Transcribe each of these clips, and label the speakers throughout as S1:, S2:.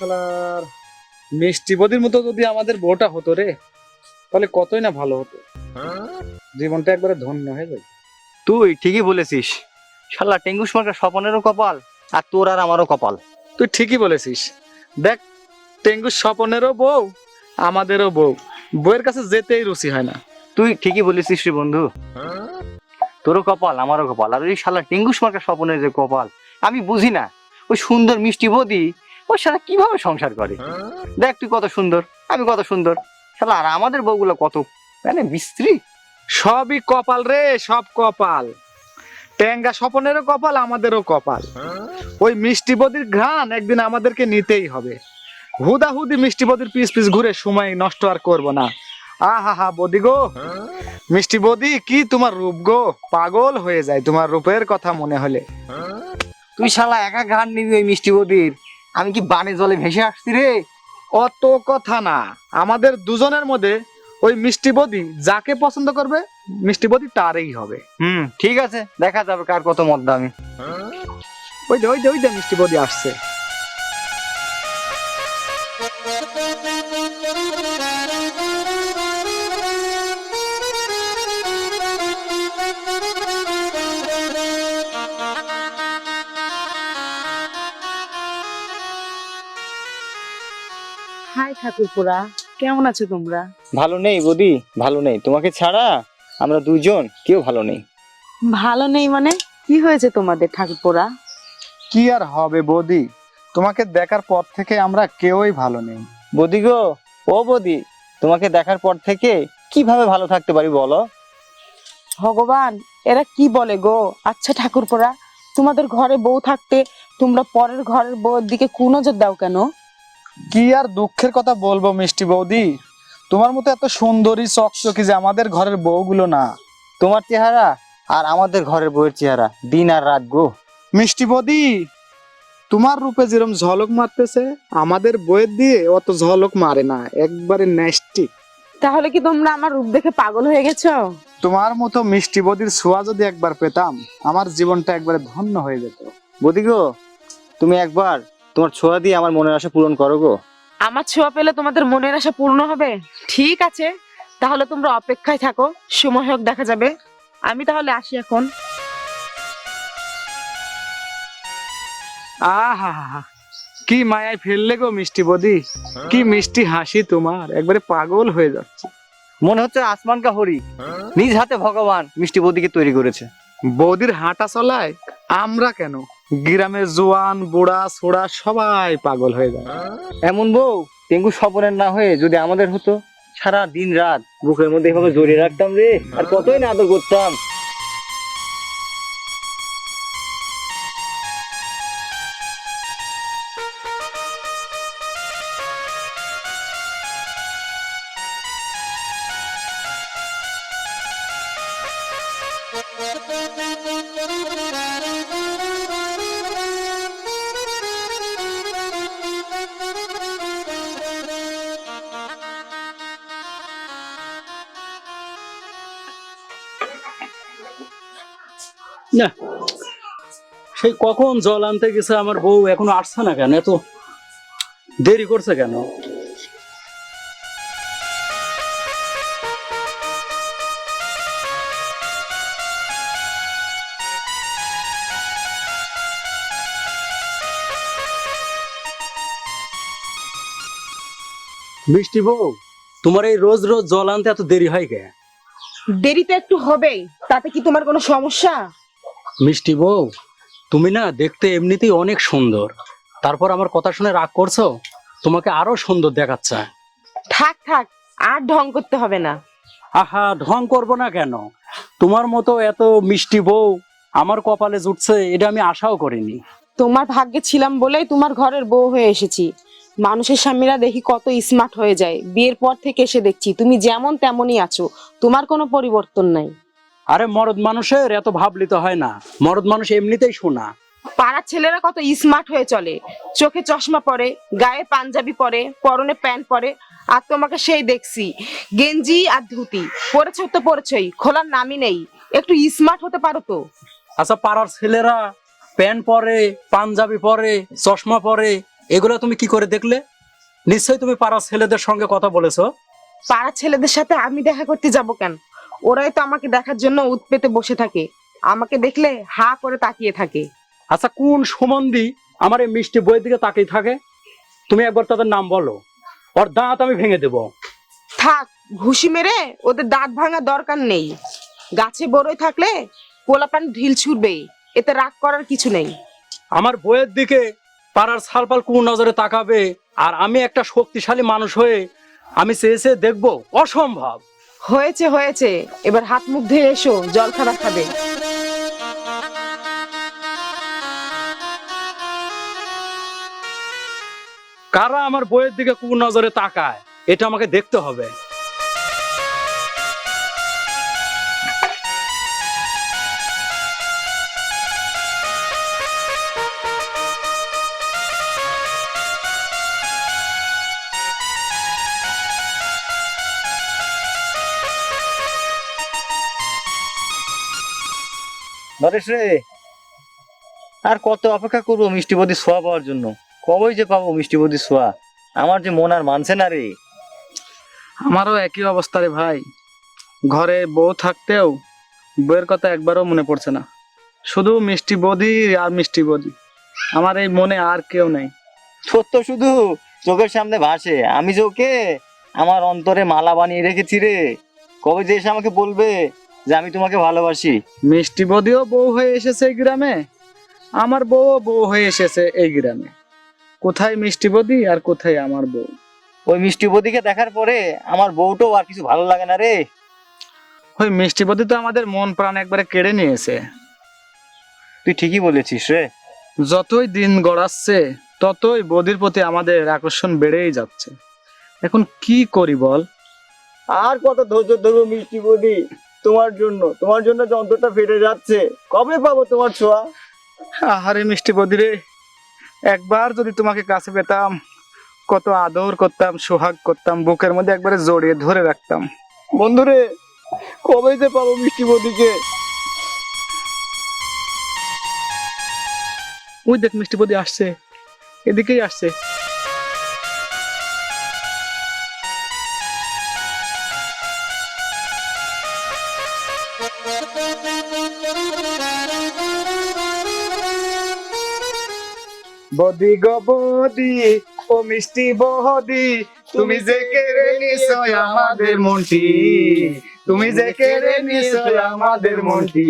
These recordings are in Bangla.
S1: শালার মিষ্টি বদির মতো যদি আমাদের বউটা হতো রে, তাহলে কতই না ভালো হতো, জীবনটা একবারে ধন্য হয়ে যায়।
S2: তুই ঠিকই বলেছিস, শালা টেঙ্গুস মার্কা স্বপনেরও কপাল আর তোর আর আমারও কপাল।
S1: তুই ঠিকই বলেছিস। দেখ, টেঙ্গুর স্বপনেরও বউ, আমাদেরও বউ, বউয়ের কাছে যেতেই রুচি হয় না।
S2: তুই ঠিকই বলেছিস রে বন্ধু, তোরও কপাল আমারও কপাল, আর ওই শালা টেঙ্গুস মার্কা স্বপনের যে কপাল, আমি বুঝি না ওই সুন্দর মিষ্টি বদি ওর সাথে কিভাবে সংসার করে। দেখ তুই কত সুন্দর, আমি কত সুন্দর, শালা আর আমাদের বউগুলো কত মানে বিশ্রী।
S1: সবই কপাল রে, সব কপাল। টেঙ্গা স্বপনেরও কপাল, আমাদেরও কপাল। ওই মিষ্টি বদির ঘ্রাণ একদিন আমাদেরকে নিতেই হবে। হুদাহুদি মিষ্টি বদির পিস পিস ঘুরে সময় নষ্ট আর করব না। আহা হা বদি গো, মিষ্টি বদি, কি তোমার রূপ গো, পাগল হয়ে যায় তোমার রূপের কথা মনে হলে।
S2: তুই শালা একা ঘাট নিবি ওই মিষ্টি বদির, আমি কি বানে জলে ভেসে আসছি রে।
S1: অত কথা না, আমাদের দুজনের মধ্যে ওই মিষ্টি বদি যাকে পছন্দ করবে, মিষ্টি বদি তারই হবে।
S2: ঠিক আছে, দেখা যাবে কার কত মত দামি।
S1: ওই যে মিষ্টি বদি আসছে।
S3: হাই ঠাকুরপুরা, কেমন আছো তোমরা?
S2: ভালো নেই বদি, ভালো নেই, তোমাকে ছাড়া আমরা দুইজন কেউ ভালো নেই।
S3: ভালো নেই মানে? কি হয়েছে তোমাদের ঠাকুরপুরা?
S1: কি আর হবে বদি, তোমাকে দেখার পর থেকে আমরা কেউই ভালো নেই।
S2: বদি গো, ও বদি, তোমাকে দেখার পর থেকে কিভাবে ভালো থাকতে পারি বলো।
S3: ভগবান, এরা কি বলে গো? আচ্ছা ঠাকুরপুরা, তোমাদের ঘরে বউ থাকতে তোমরা পরের ঘরের বউয়ের দিকে কুনজর দাও কেন?
S1: কি আর দুঃখের কথা বলবো মিষ্টি বৌদি, তোমার মতো এত সুন্দরী চকচকি যে আমাদের ঘরের বউগুলো না।
S2: তোমার চেহারা আর আমাদের ঘরের বউয়ের চেহারা দিন আর রাত গো।
S1: মিষ্টি বৌদি, তোমার রূপে যেরকম ঝলক মারতেছে, আমাদের বইয়ের দিয়ে অত ঝলক মারে না, একবারে ন্যাস্টি।
S3: তাহলে কি তোমরা আমার রূপ দেখে পাগল হয়ে গেছো?
S1: তোমার মতো মিষ্টি বৌদির ছোঁয়া যদি একবার পেতাম, আমার জীবনটা একবারে ধন্য হয়ে যেত।
S2: বদি গো, তুমি একবার তোমার ছোঁয়া দিয়ে আমার মনের আশা পূরণ করো গো।
S3: আমার ছোঁয়া পেলে তোমাদের মনের আশা পূর্ণ হবে? ঠিক আছে, তাহলে তোমরা অপেক্ষায় থাকো, সময় হোক দেখা যাবে। আমি তাহলে আসি এখন।
S1: আহা, কি মায়ায় ফেললে গো মিষ্টি বৌদি, কি মিষ্টি হাসি তোমার, একবারে পাগল হয়ে যাচ্ছে।
S2: মনে হচ্ছে আসমান কা হরি, নিজ হাতে ভগবান মিষ্টি বদিকে তৈরি করেছে।
S1: বৌদির হাঁটা চলায় আমরা কেন, গ্রামের জোয়ান বুড়া ছোড়া সবাই পাগল হয়ে যায়।
S2: এমন বউ টেঙ্গু স্বপনের না হয়ে যদি আমাদের হতো, সারা দিন রাত বুকের মধ্যে এভাবে জড়িয়ে রাখতাম রে, আর কতই না আদর করতাম।
S4: না, সেই কখন জল আনতে গেছে আমার বউ, এখনো আসছে না কেন? এত দেরি করছে কেন? মিষ্টি বউ, তোমার এই রোজ রোজ জল আনতে এত দেরি হয় কে?
S3: দেরি তো একটু হবেই, তাতে কি তোমার কোনো সমস্যা?
S4: মিষ্টি বউ, তুমি না দেখতে এমনিতেই অনেক সুন্দর, তারপর আমার কথা শুনে রাগ করছো? তোমাকে আরো সুন্দর দেখাচ্ছে।
S3: থাক থাক, আর ঢং করতে হবে না।
S4: আহা, ঢং করবো না কেন? তোমার মতো এত মিষ্টি বউ আমার কপালে জুটছে, এটা আমি আশাও করিনি।
S3: তোমার ভাগ্যে ছিলাম বলেই তোমার ঘরের বউ হয়ে এসেছি। মানুষের স্বামীরা দেখি কত স্মার্ট হয়ে যায়, বিয়ের পর থেকে এসে দেখছি তুমি যেমন তেমনই আছো, তোমার কোনো পরিবর্তন নাই।
S4: আরে মরদ মানুষের এত ভাবলিতে হয় না, মরদ মানুষ এমনিতেই শোনা।
S3: পাড়ার ছেলেরা কত স্মার্ট হয়ে চলে, চোখে চশমা পরে, গায়ে পাঞ্জাবি পরে, পরনে প্যান্ট পরে, আর তোমাকে সেই দেখছি গেঞ্জি আর ধুতি পরেছো তো পরেছই, খোলার নামই নেই। একটু স্মার্ট হতে পারো তো।
S4: আচ্ছা, পাড়ার ছেলেরা প্যান্ট পরে, পাঞ্জাবি পরে, চশমা পরে, এগুলো তুমি কি করে দেখলে? নিশ্চয়ই তুমি পাড়ার ছেলেদের সঙ্গে কথা বলেছো।
S3: পাড়ার ছেলেদের সাথে আমি দেখা করতে যাব কেন? ওরাই তো আমাকে দেখার জন্য উৎ পেতে বসে থাকে, আমাকে দেখলে হা করে তাকিয়ে থাকে।
S4: আচ্ছা, কোন সম্বন্ধী আমার এই মিষ্টি বইয়ের দিকে তাকিয়ে থাকে? তুমি একবার তাদের নাম বলো, ওর দাঁত আমি ভেঙে দেবো।
S3: থাক, ঘুষি মেরে ওদের দাঁত ভাঙার দরকার নেই। গাছে বড়ই থাকলে পোলাপান ঢিল ছুটবে, এতে রাগ করার কিছু নেই।
S4: আমার বইয়ের দিকে পাড়ার ছালপাল কোন নজরে তাকাবে আর আমি একটা শক্তিশালী মানুষ হয়ে আমি চেয়েছে দেখবো? অসম্ভব।
S3: হয়েছে হয়েছে, এবার হাত মুখ ধুয়ে এসো, জল খাবার খাবে।
S4: কারা আমার বইয়ের দিকে কোন নজরে তাকায় এটা আমাকে দেখতে হবে।
S2: নরেশ রে, আর কত অপেক্ষা করবো মিষ্টি বদির ছোঁয়া পাওয়ার জন্য? কবেই যে পাবো মিষ্টি বদির ছোঁয়া? আমার যে মন আর মানছে না রে।
S1: আমারও একই অবস্থা রে ভাই। ঘরে বউ থাকতেও বউয়ের কথা একবারও মনে পড়ছে না, শুধু মিষ্টি বদি আর মিষ্টি বদি। আমার এই মনে আর কেউ নেই।
S2: তোর তো শুধু চোখের সামনে ভাসে, আমি যে ওকে আমার অন্তরে মালা বানিয়ে রেখেছি রে। কবে যে এসে আমাকে বলবে যে আমি তোমাকে ভালোবাসি?
S1: মিষ্টি বদিও বউ হয়ে এসেছে এই গ্রামে, আমার বউও বউ হয়ে এসেছে এই গ্রামে। কোথায় মিষ্টি বদি আর কোথায় আমার বউ?
S2: ওই মিষ্টি বদিকে দেখার পরে আমার বউটাও আর কিছু ভালো লাগে না রে।
S1: ওই মিষ্টি বদি তো আমাদের মন প্রাণ একবারে কেড়ে নিয়েছে।
S2: তুই ঠিকই বলেছিস রে।
S1: যতই দিন গড়াচ্ছে ততই বদির প্রতি আমাদের আকর্ষণ বেড়েই যাচ্ছে। এখন কি করি বল?
S2: আর কত ধৈর্য ধরবো মিষ্টি বদি? তোমার জন্য যন্ত্রটা ফেটে যাচ্ছে। কবে পাবো তোমার ছোঁয়া?
S1: আহারে মিষ্টি বদি রে, একবার যদি তোমাকে কাছে পেতাম, কত আদর করতাম, সোহাগ করতাম, বুকের মধ্যে একবারে জড়িয়ে ধরে রাখতাম।
S2: বন্ধুরে, কবে যে পাবো মিষ্টি বদিকে?
S1: ওই দেখ মিষ্টি বদি আসছে, এদিকেই আসছে। বদি গো বদি, ও মিষ্টি বদি, তুমি যে কেড়ে নিছো আমাদের মনটি, তুমি যে কেড়ে নিছো আমাদের মনটি।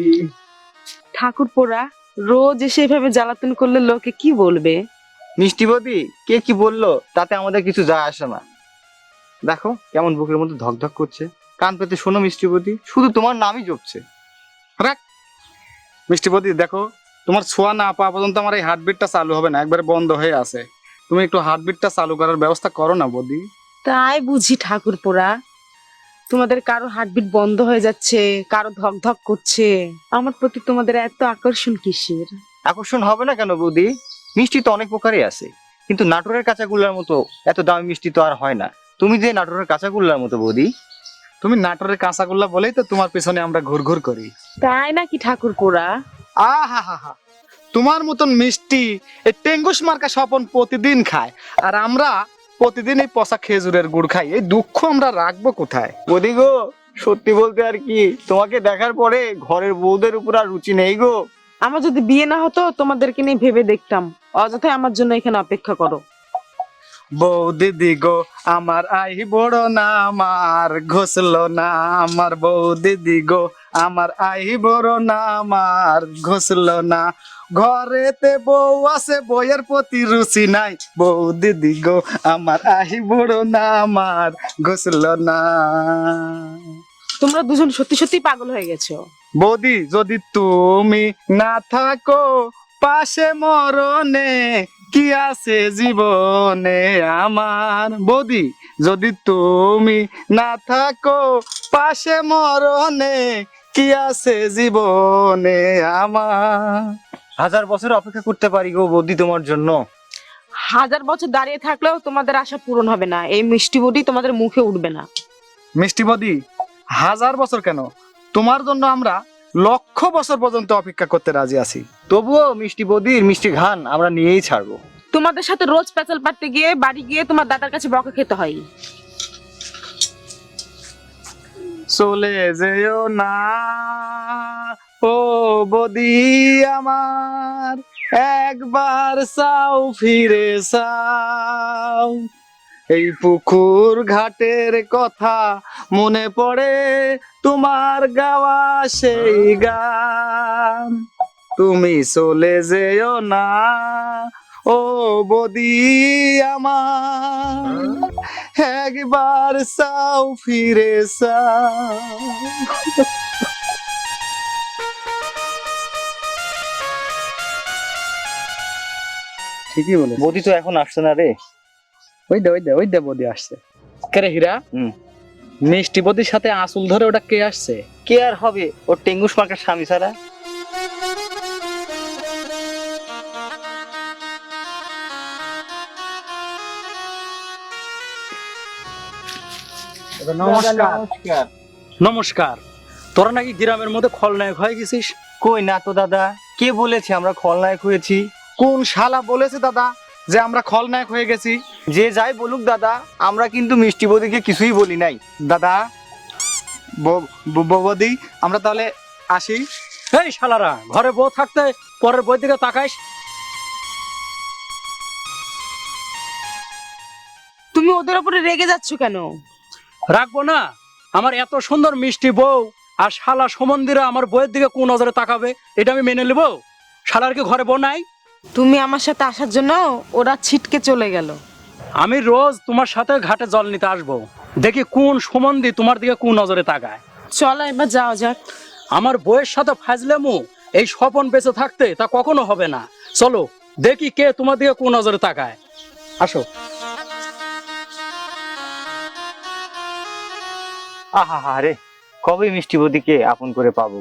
S3: ঠাকুরপোরা রোজ এসে এভাবে জ্বালাতন করলে লোকে কি বলবে?
S2: মিষ্টি বদি কে কি বললো তাতে আমাদের কিছু যায় আসে না। দেখো কেমন বুকের মধ্যে ধকধক করছে। কান পেতে শোনো মিষ্টি বদি, শুধু তোমার নামই জপছে।
S1: রাখ মিষ্টি বদি, দেখো তোমার ছোঁয়া না পাওয়া পর্যন্ত আমার এই হার্টবিটটা চালু হবে না, একবারে বন্ধ হয়ে আছে। তুমি একটু হার্টবিটটা চালু করার ব্যবস্থা করো না বদি।
S3: তাই বুঝি ঠাকুরপোরা, তোমাদের কারো হার্টবিট বন্ধ হয়ে যাচ্ছে, কারো ধক ধক করছে, আমার প্রতি তোমাদের এত আকর্ষণ কিসের?
S2: আকর্ষণ হবে না কেন বৌদি? মিষ্টি তো অনেক প্রকারই আছে, কিন্তু নাটোরের কাঁচাগোল্লার মতো এত দামি মিষ্টি তো আর হয় না। তুমি যে নাটোরের কাঁচাগোল্লার মতো বৌদি।
S1: তুমি নাটোরের কাঁচাগোল্লা বলেই তো তোমার পিছনে আমরা ঘুরঘুর করি।
S3: তাই নাকি ঠাকুরপোরা?
S1: আহা হা হা, তোমার মতন মিষ্টি এই টেঙ্গুস মার্কা স্বপন প্রতিদিন খায়, আর আমরা প্রতিদিন এই পচা খেজুরের গুড় খাই। এই দুঃখ আমরা রাখবো কোথায়?
S2: বৌদি গো, সত্যি বলতে আর কি, তোমাকে দেখার পরে ঘরের বউদের উপর আর রুচি নেই গো।
S3: আমার যদি বিয়ে না হতো তোমাদেরকে নিয়ে ভেবে দেখতাম, অযথাই আমার জন্য এখানে অপেক্ষা করো।
S1: বৌ দিদি গো আমার আই বড় না, আমার ঘষলো না আমার বৌ দিদি গো, আমার আই বড় না, আমার ঘষলো না। ঘরেতে বউ আছে, বইয়ের প্রতি রুচি নাই, বৌ দিদি গো আমার আই বড় না, আমার ঘষলো না।
S3: তোমরা দুজন সত্যি সত্যি পাগল হয়ে গেছো।
S1: বৌদি যদি তুমি না থাকো পাশে, মরণে কি আছে জীবনে আমার। বৌদি যদি তুমি না থাকো পাশে, মরণে কি আছে জীবনে আমার।
S2: 1000 বছর অপেক্ষা করতে পারি গো বৌদি তোমার জন্য।
S3: 1000 বছর দাঁড়িয়ে থাকলেও তোমাদের আশা পূরণ হবে না, এই মিষ্টি বডি তোমাদের মুখে উঠবে না।
S1: মিষ্টি বৌদি 1000 বছর কেন, তোমার জন্য আমরা 1,00,000 বছর পর্যন্ত অপেক্ষা করতে রাজি আছি।
S2: তবুও মিষ্টি বৌদির মিষ্টি ঘ্রাণ আমরা নিয়েই ছাড়বো।
S3: তোমাদের সাথে রোজ পেঁচাল পাড়তে গিয়ে বাড়ি গিয়ে তোমার দাদার কাছে বকা খেতে হয়।
S1: চলে যেও না ও বদি আমার, একবার চাও ফিরে চাও। এই পুকুর ঘাটের কথা মনে পড়ে তোমার গাওয়া সেই গান। তুমি চলে যেও না ও বদি আমার, একবার চাও ফিরে চাও। ঠিকই বলে,
S2: বৌদি তো এখন আসছে না রে।
S1: ওই দে বদি আসছে। কেরে হীরা,
S2: হুম।
S1: মিষ্টি বদির সাথে আসল ধরে ওটা কে আসছে?
S2: কে আর হবে, ওর টেঙ্গুস মার্কার স্বামী ছাড়া।
S1: নমস্কার।
S4: নমস্কার। তোরা নাকি গ্রামের মধ্যে খলনায়ক হয়ে গেছিস?
S2: কই না তো দাদা, কে বলেছে আমরা খলনায়ক হয়েছি?
S1: কোন শালা বলেছে দাদা যে আমরা খলনায়ক হয়ে গেছি?
S2: যে যাই বলুক দাদা, আমরা কিন্তু মিষ্টি বৌদিকে কিছুই বলি নাই।
S1: দাদা, বৌদি, আমরা তাহলে আসি।
S4: এই শালারা, ঘরে বউ থাকতে পরের বই দিকে তাকাইস?
S3: তুমি ওদের উপরে রেগে যাচ্ছ কেন?
S4: রাখবো না? আমার এত সুন্দর মিষ্টি বউ আর শালা সমন্দিরা আমার বইয়ের দিকে কোন নজরে তাকাবে, এটা আমি মেনে নেবো? শালার কি ঘরে বউ নাই?
S3: তুমি আমার সাথে আসার জন্য ওরা ছিটকে চলে গেল।
S4: আমি রোজ তোমার সাথে ঘাটে জল নিতে আসবো, দেখি কোন সম্বন্ধী তোমার দিকে কোন নজরে তাকায়।
S3: চলো এবার যাওয়া যাক।
S4: আমার বইয়ের সাথে ফাজলামু এই স্বপন বেঁচে থাকতে তা কখনো হবে না। চলো দেখি কে তোমার দিকে কোন নজরে তাকায়। আসো।
S2: আহা হা রে, কবে মিষ্টি বৌদিকে আপন করে পাবো।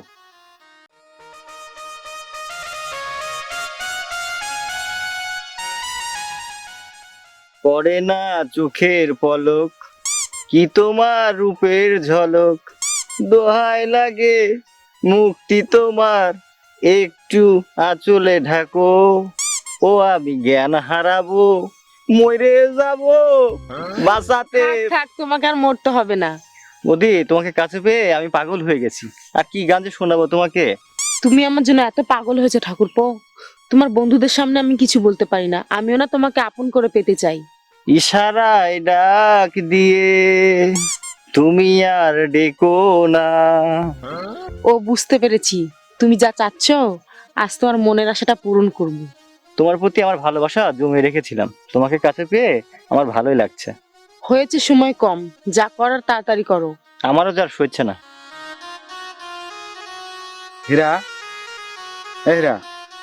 S2: পড়ে না চোখের পলক, কি তোমার রূপের ঝলক, দোহাই লাগে মুক্তি তোমার, একটু আঁচলে ঢাকো, ও আমি জ্ঞান হারাবো, মরে যাবো বাঁচাতে।
S3: থাক থাক, তোমাকে আর মরতে হবে না।
S2: বৌদি, তোমাকে কাছে পেয়ে আমি পাগল হয়ে গেছি। আর কি গান যে শোনাবো তোমাকে।
S3: তুমি আমার জন্য এত পাগল হয়েছে ঠাকুরপো, তোমার বন্ধুদের সামনে আমি কিছু বলতে পারি না। আমিও না তোমাকে আপন করে পেতে চাই।
S2: ইশারায় ডাক দিয়ে তুমি আর ডেকো না।
S3: ও বুঝতে পেরেছি, তুমি যা চাচ্ছ আজ তোমার মনের আশাটা পূরণ করব।
S2: তোমার প্রতি আমার ভালোবাসা জমে রেখেছিলাম, তোমাকে কাছে পেয়ে আমার ভালোই লাগছে।
S3: হয়েছে সময় কম, যা করার তাড়াতাড়ি করো।
S2: আমারও যার সইছে না।
S1: হীরা, এই হীরা,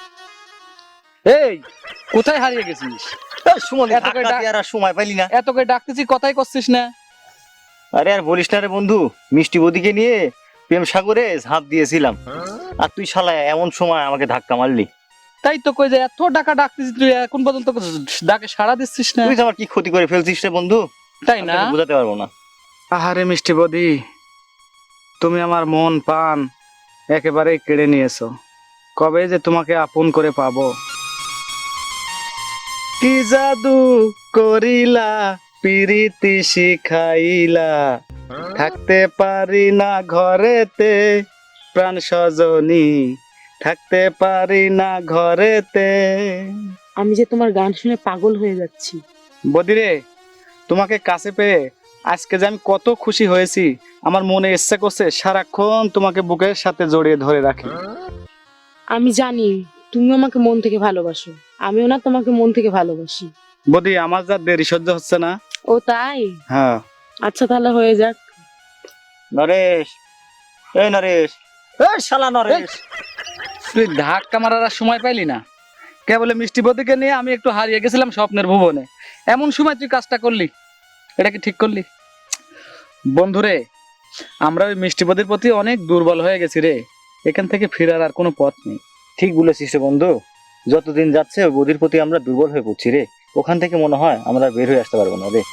S1: এই কোথায় হারিয়ে গেছিস? এত করে ডাক-
S2: সময় পাইলি না।
S1: এত করে ডাকতেছি, কথাই করছিস না।
S2: আরে আর বলিস না রে বন্ধু, মিষ্টি বৌদিকে নিয়ে প্রেম সাগরে ঝাঁপ দিয়েছিলাম, আর তুই শালা এমন সময় আমাকে ধাক্কা মারলি।
S1: তাই তো কই যে এত টাকা ডাকতেছিস, তুই এখন পর্যন্ত ডাকে সাড়া দিচ্ছিস না।
S2: তুই যে আমার কি ক্ষতি করে ফেলছিস রে বন্ধু,
S1: তাই না?
S2: আমি তোকে বোঝাতে পারবো না।
S1: আহারে মিষ্টি বদি, তুমি আমার মন প্রাণ একেবারেই কেড়ে নিয়েছো। কবে যে তোমাকে আপন করে পাবো। কি জাদু করিলা, পিরিতি শিখাইলা, থাকতে পারি না ঘরেতে প্রাণ সজনী, থাকতে পারি না ঘরেতে।
S3: আমি যে তোমার গান শুনে পাগল হয়ে যাচ্ছি।
S1: বদিরে, তোমাকে কাছে পেয়ে আজকে যে আমি কত খুশি হয়েছি, আমার মনে ইচ্ছা করছে সারাক্ষণ তোমাকে বুকের সাথে জড়িয়ে ধরে রাখি।
S3: আমি জানি তুমি আমাকে মন থেকে ভালোবাসো, আমিও না তোমাকে মন থেকে ভালোবাসি।
S1: বদি, আমার যা দেরি সহ্য হচ্ছে না।
S3: ও তাই?
S1: হ্যাঁ।
S3: আচ্ছা তাহলে হয়ে যাক।
S2: নরেশ, এই নরেশ, এই শালা নরেশ।
S1: তুই ধাক্কা মারার আর সময় পাইলি না? কেবল মিষ্টি বদিকে নিয়ে আমি একটু হারিয়ে গেছিলাম স্বপ্নের ভুবনে, এমন সময় তুই কাজটা করলি। এটা কি ঠিক করলি? বন্ধুরে, আমরা ওই মিষ্টি বদির প্রতি অনেক দুর্বল হয়ে গেছি রে। এখান থেকে ফেরার আর কোনো পথ নেই।
S2: ঠিক বলেছিস রে বন্ধু, যতদিন যাচ্ছে ওই বৌদির প্রতি আমরা দুর্বল হয়ে পড়ছি রে। ওখান থেকে মনে হয় আমরা আর বের হয়ে আসতে পারবো না রে।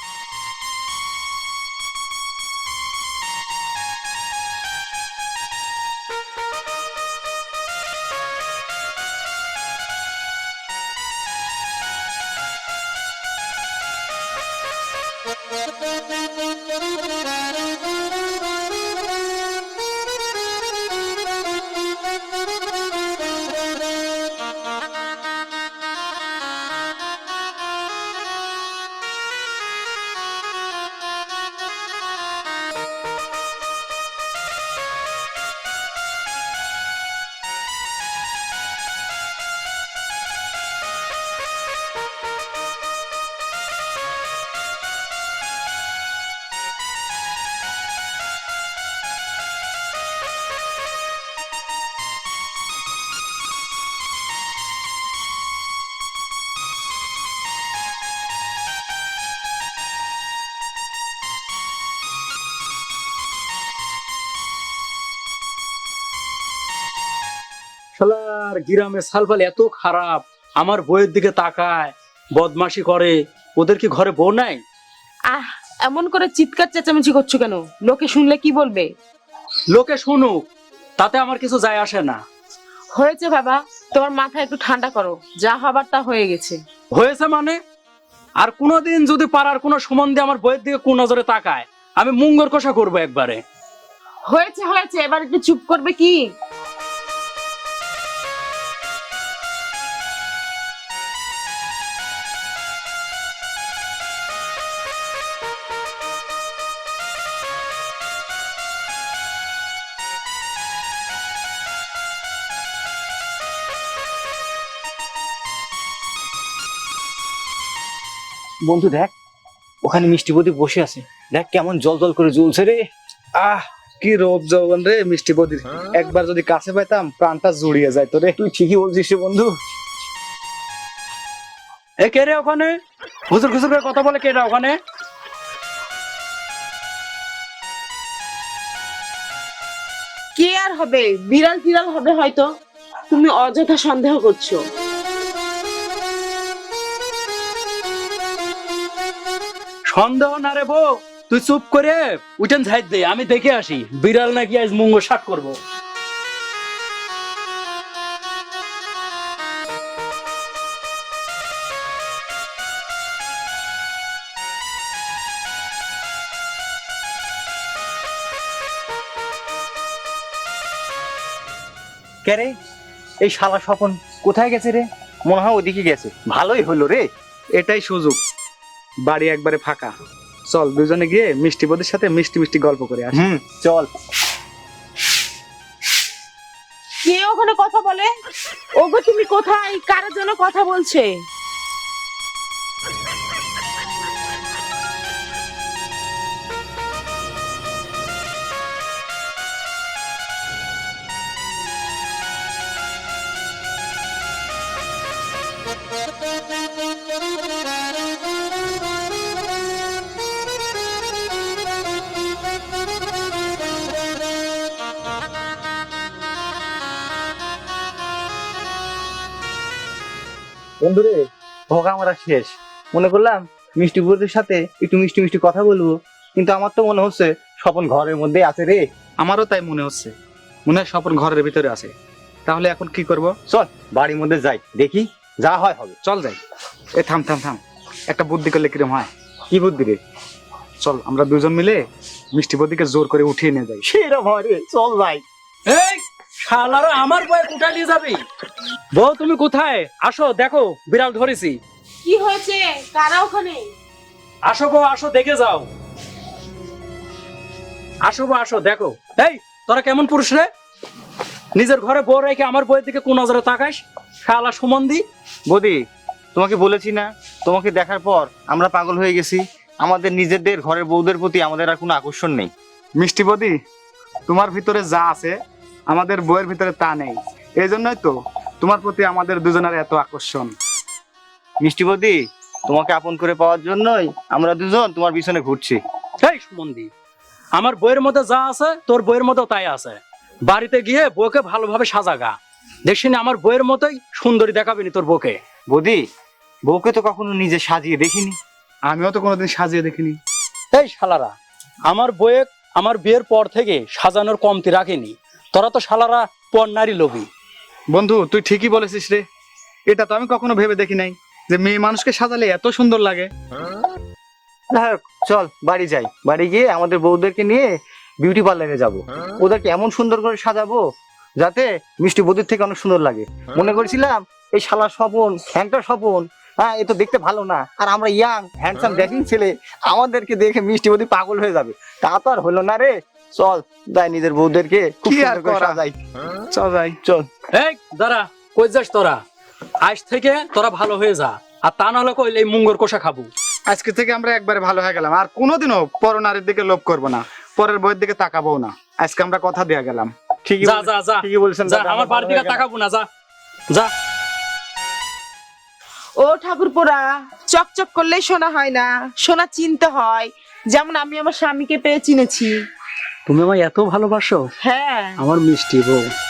S4: শালার গ্রামে সালফাল এত খারাপ, আমার বউয়ের দিকে তাকায়, বদমাশি করে। ওদের কি ঘরে বউ নাই?
S3: আহ, এমন করে চিৎকার চেঁচামেচি করছো কেন? লোকে শুনলে কি বলবে?
S4: লোকে শুনুক, তাতে আমার কিছু যায় আসে না।
S3: হয়েছে বাবা, তোমার মাথা একটু ঠান্ডা করো, যা হবার তা হয়ে গেছে।
S4: হয়েছে মানে? আর কোনোদিন যদি পাড়ার কোনো সম্বন্ধে আমার বইয়ের দিকে কোন নজরে তাকায়, আমি মুঙ্গর কষা করবো একবারে।
S3: হয়েছে হয়েছে, এবার একটু চুপ করবে কি?
S2: বন্ধু দেখ, ওখানে মিষ্টি বদি বসে আছে, দেখ কেমন জল জল করে জ্বলছে রে।
S1: আহ, কি রূপ যৌবন রে মিষ্টি বদির, একবার যদি কাছে পাইতাম প্রাণটা জুড়িয়ে যায় রে।
S2: তুই ঠিকই বলছিস রে বন্ধু।
S4: এ কে রে ওখানে? হুজুর খুজুর করে কথা বলে কে রে ওখানে?
S3: কে আর হবে? বিড়াল টিড়াল হবে হয়তো। তুমি অযথা সন্দেহ করছো।
S4: সন্দেহ না রে বউ, তুই চুপ করে উঠেন ঝাইট দে, আমি দেখে আসি বিড়াল নাকি আজ মুঙ্গ শাক করবো।
S2: কে রে? এই শালা স্বপন কোথায় গেছে রে? মনে হয় ওদিকে গেছে। ভালোই হলো রে।
S1: এটাই সুযোগ, বাড়ি একবারে ফাঁকা, চল দুজনে গিয়ে মিষ্টি বদির সাথে মিষ্টি মিষ্টি গল্প করে আসি।
S2: চল।
S3: কে ওখানে কথা বলে? ওগো তুমি কোথায়? কার জন্য কথা বলছে?
S2: বন্ধুরে, ভোগা আমরা শেষ। মনে করলাম মিষ্টি বদির সাথে একটু মিষ্টি মিষ্টি কথা বলবো, কিন্তু আমার তো মনে হচ্ছে স্বপন ঘরের মধ্যেই আছে রে।
S1: আমারও তাই মনে হচ্ছে, মনে হয় স্বপন ঘরের ভিতরে আছে। তাহলে এখন কি করব?
S2: চল বাড়ির মধ্যে যাই, দেখি যা হয় হবে।
S1: চল যাই। এ থাম থাম থাম, একটা বুদ্ধি করলে কিরম হয়?
S2: কি বুদ্ধি রে?
S1: চল আমরা দুজন মিলে মিষ্টি বদিকে জোর করে উঠিয়ে নিয়ে যাই।
S2: সেরকম হয় রে, চল যাই।
S4: এই শালারা আমার বয়ে কোথায় নিয়ে যাবি? বউ তুমি কোথায়? আসো দেখো বিড়াল ধরেছি।
S3: কি হয়েছে? কারা ওখানে?
S4: আসো বউ, আসো দেখে যাও। আসো বউ, আসো দেখো। এই তোরা কেমন পুরুষ রে? নিজের ঘরে বউ রেখে আমার বউয়ের দিকে কোন নজরে তাকাস? শালা সুমন্দি।
S2: বদি, তোমাকে বলেছি না, তোমাকে দেখার পর আমরা পাগল হয়ে গেছি। আমাদের নিজেদের ঘরের বউদের প্রতি আমাদের আর কোনো আকর্ষণ নেই।
S1: মিষ্টি বদি, তোমার ভিতরে যা আছে আমাদের বইয়ের ভিতরে তা নেই, এই জন্যই তো তোমার প্রতি আমাদের দুজনের এত আকর্ষণ।
S2: মিষ্টি বদি, তোমাকে আপন করে পাওয়ার জন্যই আমরা দুজন তোমার পিছনে ঘুরছি।
S4: এই সুমন্দি, আমার বইয়ের মধ্যে যা আছে তোর বইয়ের মধ্যেও তাই আছে। বাড়িতে গিয়ে বউকে ভালোভাবে সাজাগা, দেখিনি আমার বইয়ের মতোই সুন্দরী দেখাবিনি তোর বউকে।
S2: বদি, বউকে তো কখনো নিজে সাজিয়ে দেখিনি।
S1: আমিও তো কোনোদিন সাজিয়ে দেখিনি।
S4: এই শালারা, আমার বইয়ে আমার বিয়ের পর থেকে সাজানোর কমতি রাখেনি। তোরা তো শালারা পর নারী লোভী।
S1: বন্ধু তুই ঠিকই বলেছিস রে, এটা তো আমি কখনো ভেবে দেখি নাই যে মেয়ে মানুষকে সাজালে এত সুন্দর লাগে।
S2: চল বাড়ি যাই, বাড়ি গিয়ে আমাদের বউদেরকে নিয়ে বিউটি পার্লারে যাব। ওদেরকে এমন সুন্দর করে সাজাবো যাতে মিষ্টি বদির থেকে অনেক সুন্দর লাগে। মনে করেছিলাম এই শালা স্বপন, হ্যাংটা স্বপন, হ্যাঁ এ তো দেখতে ভালো না, আর আমরা ইয়াং হ্যান্ডসাম ড্যাশিং ছেলে, আমাদেরকে দেখে মিষ্টি বদি পাগল হয়ে যাবে। তা তো আর হলো না রে। চল যাই, নিজের বউদেরকে খুব
S1: কি আর
S2: সুন্দর করে
S1: করা?
S2: সাজাই।
S1: চল যাই।
S2: চল।
S4: এই দাঁড়া, কই যাস তোরা? আজ থেকে তোরা ভালো হয়ে যা, আর তা নাহলে কইলে এই মুঙ্গর কষা খাবো।
S1: আজকে থেকে আমরা একবারে ভালো হয়ে গেলাম, আর কোনোদিনও পরনারীর দিকে লোভ করবো না, পরের বইয়ের দিকে তাকাবো না। আজকে আমরা কথা দিয়ে গেলাম।
S2: ঠিকই
S4: যা যা যা,
S2: ঠিকই বলছেন
S4: যা,
S2: দাদা,
S4: আমার বাড়ির দিকে তাকাবো না, যা যা।
S3: ও ঠাকুরপোড়া, চকচক করলেই সোনা হয় না, সোনা চিনতে হয়। যেমন আমি আমার স্বামীকে পেয়ে চিনেছি।
S4: তুমি আমায় এত ভালোবাসো?
S3: হ্যাঁ।
S4: আমার মিষ্টি বউ।